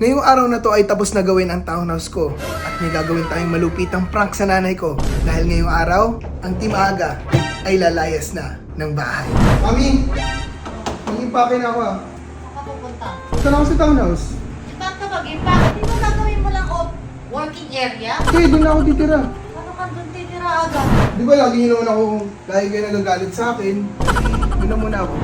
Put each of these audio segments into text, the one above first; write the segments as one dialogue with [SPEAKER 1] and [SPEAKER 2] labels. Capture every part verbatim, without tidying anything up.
[SPEAKER 1] Ngayong araw na to ay tapos na gawin ang townhouse ko at may gagawin tayong malupitang prank sa nanay ko dahil ngayong araw, ang Team Aga ay lalayas na ng bahay. Mami! Mag-impake na ako ah.
[SPEAKER 2] Saan ka pupunta?
[SPEAKER 1] Punta na ako sa townhouse.
[SPEAKER 2] Eh, ba't ka mag-impact? Di ba gagawin mo lang off working area?
[SPEAKER 1] Okay, doon na ako titira.
[SPEAKER 2] Ano ka doon titira agad?
[SPEAKER 1] Di ba lagi niyo naman ako, lagi kayo nagagalit sa akin. Doon na muna ako.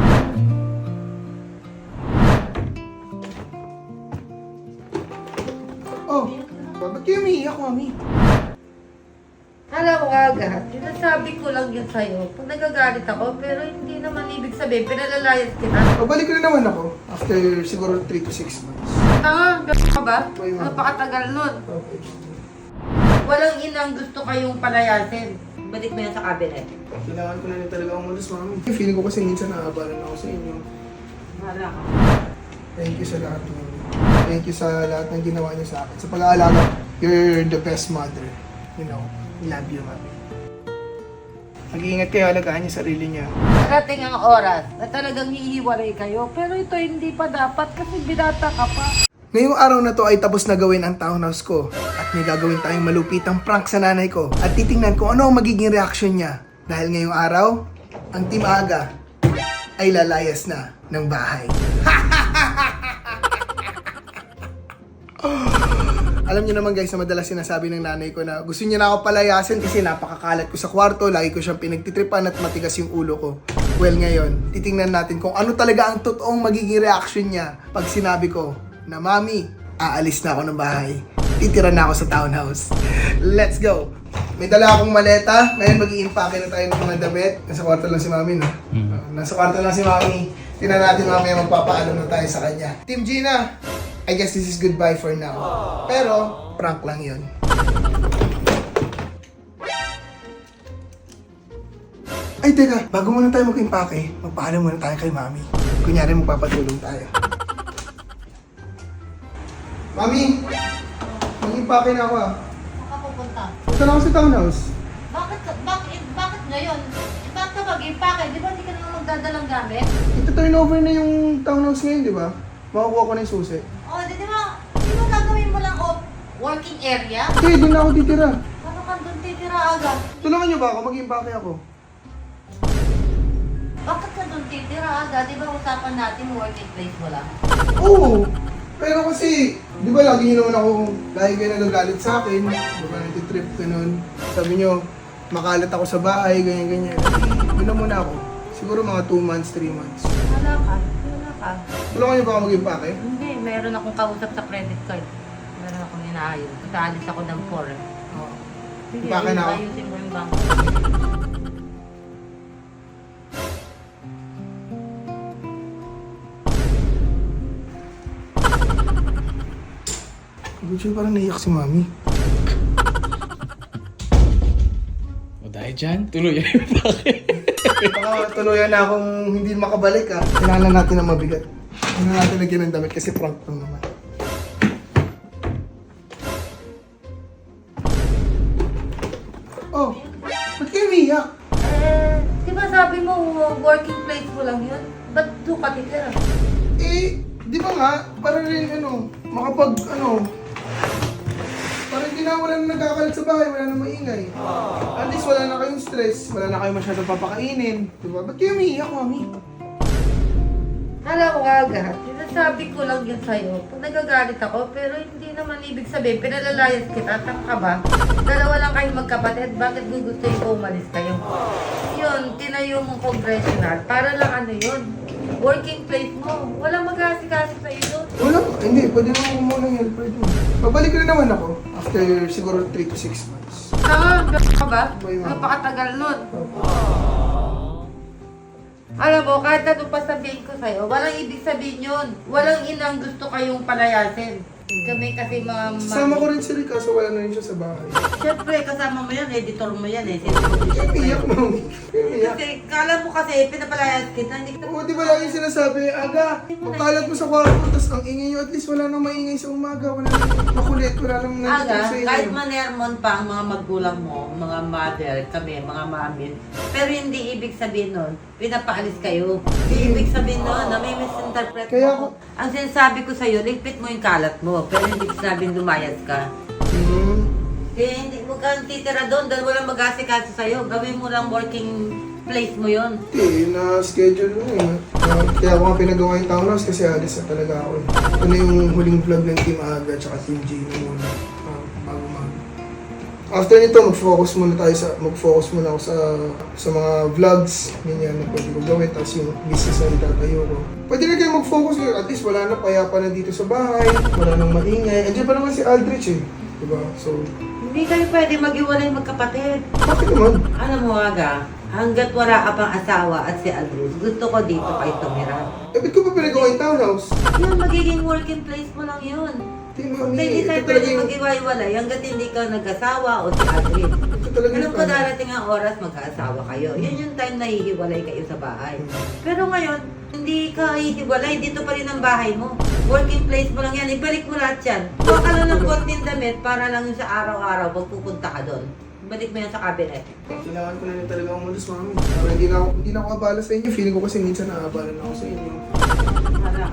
[SPEAKER 1] Oh, ba't kayo umiiyak, Mami?
[SPEAKER 2] Alam mo agad, sinasabi ko lang yun sa'yo. Pag nagagalit ako, pero hindi naman ibig sabihin, pinalalayas kita.
[SPEAKER 1] Pabalik na naman ako after siguro three to six months.
[SPEAKER 2] Tanga, gano'n ka ba?
[SPEAKER 1] Ay, ma'am.
[SPEAKER 2] Napakatagal nun.
[SPEAKER 1] Okay.
[SPEAKER 2] Walang inang gusto kayong palayasin. Balik mo yan sa cabinet.
[SPEAKER 1] Kailangan ko na rin talaga umalis, Mami. Feeling ko kasi minsan naabalan ako sa inyo.
[SPEAKER 2] Wala ka.
[SPEAKER 1] Thank you sa lahat, Mami. Thank you sa lahat ng ginawa niyo sa akin. Sa pag-aalaga, you're the best mother. You know, love you, Mami. Mag-iingat kayo, alagaan niyo sarili niya.
[SPEAKER 2] Darating ang oras na talagang hihiwalay kayo. Pero ito hindi pa dapat kasi binata ka pa.
[SPEAKER 1] Ngayong araw na to ay tapos na gawin ang townhouse ko at may gagawin tayong malupitang prank sa nanay ko at titingnan ko ano ang magiging reaksyon niya dahil ngayong araw, ang Team Aga ay lalayas na ng bahay. Alam niyo naman guys na madalas sinasabi ng nanay ko na gusto niya na ako palayasin kasi napakakalat ko sa kwarto, lagi ko siyang pinagtitripan at matigas yung ulo ko. Well ngayon, titingnan natin kung ano talaga ang totoong magiging reaction niya pag sinabi ko na Mami, aalis na ako ng bahay. Titira na ako sa townhouse. Let's go! May dala akong maleta. Ngayon mag-i-impake na tayo ng mga damit. Nasa kwarto lang si Mami, no? Uh, nasa kwarto lang si Mami. Tingnan natin mamaya magpapaalam na tayo sa kanya. Team Gina, I guess this is goodbye for now. Pero, prank lang yun. Ay, teka. Bago muna tayo mag-impake, magpaalam muna tayo kay Mami. Kunyari magpapatulong tayo. Mami! Mag-impake na ako ah.
[SPEAKER 2] Saan ka pupunta?
[SPEAKER 1] Punta na ako sa townhouse.
[SPEAKER 2] Bakit, bakit, bakit ngayon? Eh, bakit ka mag-impact? Di ba hindi ka naman magdadalang gamit?
[SPEAKER 1] Ito turnover na yung townhouse ngayon, di ba? Makukuha ko na yung susi.
[SPEAKER 2] O, di, di ba, di ba gagawin mo lang off working area?
[SPEAKER 1] Okay, doon na ako titira.
[SPEAKER 2] Ano ka doon titira agad?
[SPEAKER 1] Tulungan niyo ba ako? Mag-impake ako.
[SPEAKER 2] Bakit ka doon titira agad? Di ba usapan natin working place mo lang?
[SPEAKER 1] Oo! Pero kasi, di ba lagi niyo naman ako, lagi kayo nagagalit sa akin. Di ba nagtitrip ka nun. Sabi niyo, makalat ako sa bahay, ganyan-ganyan. Doon na muna ako. Siguro mga two months, three months.
[SPEAKER 2] Wala ka, wala ka.
[SPEAKER 1] Tulungan niyo ba ako mag-impake?
[SPEAKER 2] Hindi, meron akong kausap sa credit card. Meron akong inaayos. Kasi alis ako ng four. eh.
[SPEAKER 1] Oo.
[SPEAKER 2] Sige,
[SPEAKER 1] Impake na ako.
[SPEAKER 2] ayusin mo yung bank.
[SPEAKER 1] Gucci, parang naiyak si Mami.
[SPEAKER 3] O dahil dyan, tuloy yung bakit?
[SPEAKER 1] Baka tuluyan na akong hindi makabalik ah. Kailangan natin na mabigat. Kailangan natin lagyan ng damit kasi prank lang naman. Oh, ba't kayo umiiyak?
[SPEAKER 2] Eh, di ba sabi mo working place mo lang yun? Ba't doon ka titira?
[SPEAKER 1] Eh, di ba nga, para rin ano, makapag ano, para hindi na wala na nagkakalat sa bahay, wala na maingay. At least wala na kayong stress, wala na kayong masyadong papakainin. Di ba? Ba't kayo umiiyak, Mami?
[SPEAKER 2] Alam mo agad, sinasabi ko lang yun sa'yo. Pag nagagalit ako, pero hindi naman ibig sabihin, pinalalayas kita, tang ka ba? Dalawa lang kayong magkapatid, bakit gugustuhin ko umalis kayo? Yun, tinayo mong congressional, para lang ano yun, working place mo. Walang mag-asikasi sa'yo doon.
[SPEAKER 1] Wala, hindi, pwede naman ako muna ng helper doon. Pabalik na naman ako after siguro three to six months.
[SPEAKER 2] Tanga, gano'n ka ba?
[SPEAKER 1] Ay, ma'am.
[SPEAKER 2] Napakatagal nun. Alam mo, kahit ano pa sabihin ko sa'yo, walang ibig sabihin yun. Walang inang gusto kayong palayasin. Kami kasi mga...
[SPEAKER 1] Kasama ko rin si Rick kaso wala na rin siya sa bahay.
[SPEAKER 2] Siyempre, kasama mo yan, editor mo yan eh.
[SPEAKER 1] Iyak, Mami. Iyak.
[SPEAKER 2] Kasi, kala mo kasi, pinapalayas kita, hindi kita...
[SPEAKER 1] Oo, di ba lagi sinasabi, Aga, magkalat mo sa kwarto, tapos ang ingay nyo, at least wala nang maingay sa umaga, wala nang makulit, wala nang nandito
[SPEAKER 4] Aga,
[SPEAKER 1] sa inyo.
[SPEAKER 4] kahit manermon pa ang mga magulang mo, mga mother, kami, mga mami, pero hindi ibig sabihin nun,
[SPEAKER 2] pinapaalis kayo. Ibig sabihin nun, na may misinterpret
[SPEAKER 1] Kaya
[SPEAKER 2] mo. Ang sinasabi ko sa'yo, ligpit mo yung kalat mo. Pero hindi ko sabing lumayas ka.
[SPEAKER 1] Hmm.
[SPEAKER 2] Kaya hindi mo ka titira doon dahil walang mag-asikaso sa'yo. Gawin mo lang working place mo yon.
[SPEAKER 1] Hindi, na-schedule mo eh. Uh, kaya ako nga pinagawa yung townhouse kasi alis na talaga ako eh. Ito na yung huling vlog ng Team Aga at Team G na muna. Uh, bago mag... After nito, mag-focus muna tayo sa... Mag-focus muna ako sa sa mga vlogs. Ganyan na pwede ko gawin. Tapos yung business na itatayo ko. Pwede na kayo mag-focus. At least wala na payapa na dito sa bahay. Wala nang maingay. Andiyan pa naman si Aldrich eh. Diba? So...
[SPEAKER 2] Hindi kayo pwede mag-iwalay magkapatid.
[SPEAKER 1] Bakit naman?
[SPEAKER 2] Alam mo, Aga, hanggat wala ka pang asawa at si Aldrich, gusto ko dito kayo tumira.
[SPEAKER 1] Eh, ba't ko pa pinagawa yung townhouse?
[SPEAKER 2] Yun, magiging working place mo lang yun.
[SPEAKER 1] Hindi,
[SPEAKER 2] Kung
[SPEAKER 1] mami.
[SPEAKER 2] hindi
[SPEAKER 1] Ito
[SPEAKER 2] tayo
[SPEAKER 1] talaga
[SPEAKER 2] pwede
[SPEAKER 1] yung...
[SPEAKER 2] mag-iwalay hanggat hindi ka nag-asawa o si Aldrich.
[SPEAKER 1] Ito talaga
[SPEAKER 2] Alam
[SPEAKER 1] yung...
[SPEAKER 2] ko darating ang oras magkaasawa kayo. Yun yung time na hihiwalay kayo sa bahay. Pero ngayon, hindi ka hihiwalay. Dito pa rin ang bahay mo. Working place mo lang yan. Ibalik mo lahat yan. Huwag ka lang ng konting damit para lang yung sa araw-araw pag pupunta ka doon. Ibalik mo yan sa cabinet.
[SPEAKER 1] Kailangan ko na rin talaga umalis, mami. Para hindi na ako, hindi na ako abala sa inyo. Feeling ko kasi minsan naabala na ako sa inyo.
[SPEAKER 2] Hala.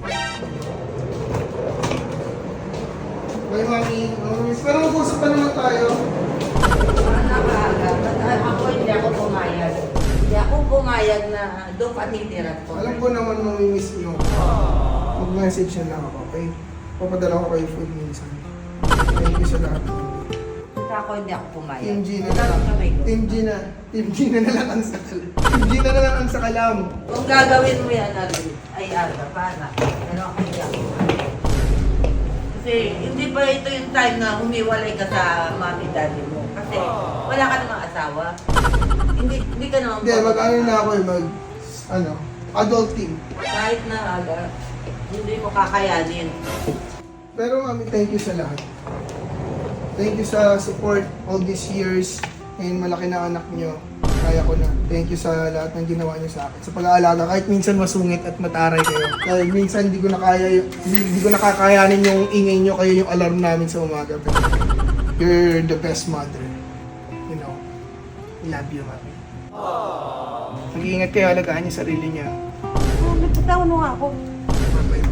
[SPEAKER 1] Bye, mami. Mami, pero mag-usap pa naman tayo.
[SPEAKER 2] Napaaga. At ako hindi ako pumayag. Hindi ako pumayag na doon pa titira ko.
[SPEAKER 1] Alam ko naman mamimiss niyo. Mag-message na lang ako, okay? Papadala ko kayo food minsan. Thank you sa lahat.
[SPEAKER 2] Basta ako hindi ako pumayag.
[SPEAKER 1] Team G na na lang. Team G na. Team G na na lang ang sakalam. Team G na na lang ang sakalam.
[SPEAKER 2] Kung gagawin mo yan, Arvin, ay Arva, paano? Pero ako hindi ako pumayag. Kasi hindi pa ito yung time na humiwalay ka sa mami daddy mo. Kasi wala ka namang asawa. Hindi, hindi ka naman
[SPEAKER 1] Hindi, mag-ano na ako eh, mag... Ano? Adulting.
[SPEAKER 2] Kahit na aga, hindi mo kakayanin.
[SPEAKER 1] Pero mami, thank you sa lahat. Thank you sa support all these years. Ngayon malaki na anak nyo. Kaya ko na. Thank you sa lahat ng ginawa nyo sa akin. Sa pag-aalaga, kahit minsan masungit at mataray kayo. Dahil minsan hindi ko nakaya yung, hindi, hindi ko nakakayanin yung ingay nyo kayo yung alarm namin sa umaga. Pero you're the best mother. You know. I love you, mami. Mag-iingat kayo, alagaan niyo sarili niya.
[SPEAKER 2] Oh, may patawa mo nga ako.
[SPEAKER 1] Bye-bye.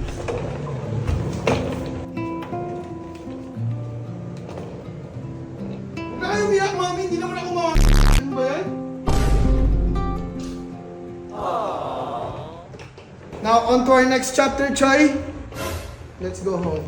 [SPEAKER 1] Wala kayo umiyak, mami. Hindi naman ako mga... Ano ba yan? Now, on to our next chapter, Choy. Let's go home.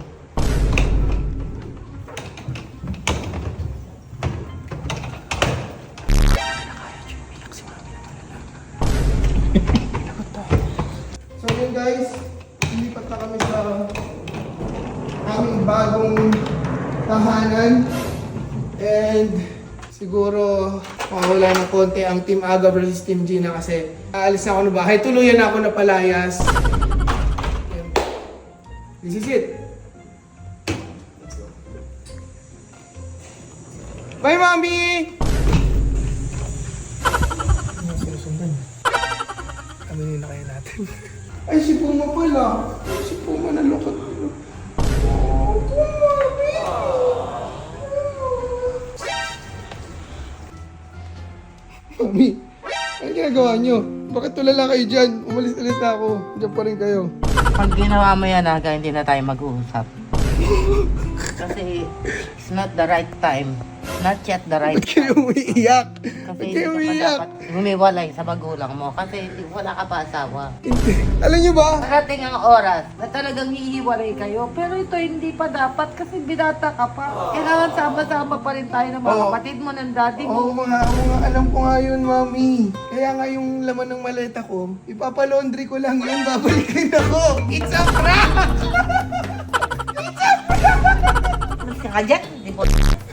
[SPEAKER 1] So yun guys, lilipat na kami sa aming bagong tahanan. And siguro mawala ng konti ang Team Aga versus Team Gina kasi aalis na ako ng bahay. Tuluyan na ako na palayas. Ayan. This is it. Let's go. Bye, Mami! Ano sinusundan? Aminin na kayo natin. Ay, si Puma pala. Ay, si Puma na lukot. Oh, Puma! Mami, ano ginagawa nyo? Bakit tulala kayo dyan? Umalis-alis na ako. Diyan pa rin kayo.
[SPEAKER 2] Pag ginawa mo yan, Aga, hindi na tayo mag-uusap. Kasi it's not the right time. Not yet the right
[SPEAKER 1] Ba't kayo
[SPEAKER 2] time.
[SPEAKER 1] umiiyak?
[SPEAKER 2] Kasi
[SPEAKER 1] Ba't
[SPEAKER 2] hindi
[SPEAKER 1] kayo
[SPEAKER 2] ka pa
[SPEAKER 1] umiiyak?
[SPEAKER 2] dapat humiwalay sa magulang mo. Kasi hindi- wala ka pa asawa.
[SPEAKER 1] Hindi. Alam nyo ba?
[SPEAKER 2] Parating ang oras na talagang hihiwalay kayo. Pero ito hindi pa dapat kasi binata ka pa. Kailangan sama-sama pa rin tayo ng mga
[SPEAKER 1] Oo.
[SPEAKER 2] kapatid mo, ng daddy
[SPEAKER 1] Oo
[SPEAKER 2] mo.
[SPEAKER 1] nga, oo nga. Alam ko nga yun, Mami. Kaya nga yung laman ng maleta ko, ipapalaundry ko lang yun. Babalikin ako. It's a prank!
[SPEAKER 2] Mas ka dyan, di po.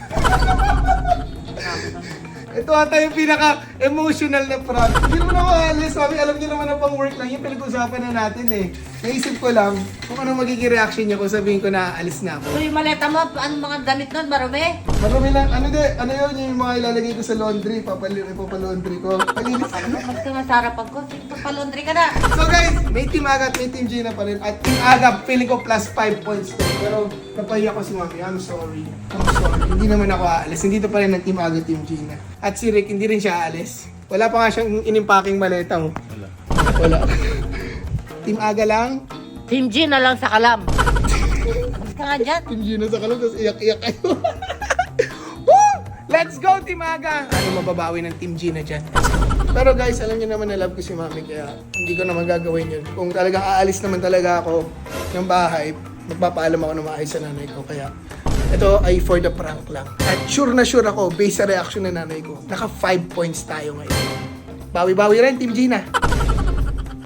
[SPEAKER 1] Ito ata yung pinaka-emotional na prank. Hindi naman ako alis, Mami. Alam niyo naman na pang work lang. Yung pinag-usapan na natin eh. Naisip ko lang kung ano magiging reaction niya kung sabihin ko na alis na ako.
[SPEAKER 2] So yung maleta mo, anong mga damit nun, marumi?
[SPEAKER 1] Marami lang, ano de, ano yun, yung mga ilalagay ko sa laundry, papali, papalaundry ko. Palinis
[SPEAKER 2] Ano, mas ka nga sarapan ko. Ito pa laundry ka na.
[SPEAKER 1] So guys, may Team Aga at may Team Gina pa rin. At Team Aga, feeling ko plus five points to. Pero napahiya ko si Mami, I'm sorry. I'm sorry. Hindi naman ako aalis. Hindi to pa rin ng Team Aga, Team Gina. At si Rick, hindi rin siya aalis. guys. Wala pa nga siyang inimpaking maleta, oh.
[SPEAKER 3] Wala.
[SPEAKER 1] Wala. Team Aga lang.
[SPEAKER 2] Team G na lang sa kalam. Mas ka nga dyan.
[SPEAKER 1] Team Gino sa kalam, tapos iyak-iyak kayo. Woo! Let's go, Team Aga! Ano mababawi ng Team Gina dyan? Pero guys, alam niyo naman na love ko si Mami, kaya hindi ko naman gagawin yun. Kung talagang aalis naman talaga ako ng bahay, magpapaalam ako na maayos sa nanay ko. Kaya ito ay for the prank lang. At sure na sure ako, based sa reaction ng nanay ko, naka five points tayo ngayon. Bawi-bawi rin, Team Gina.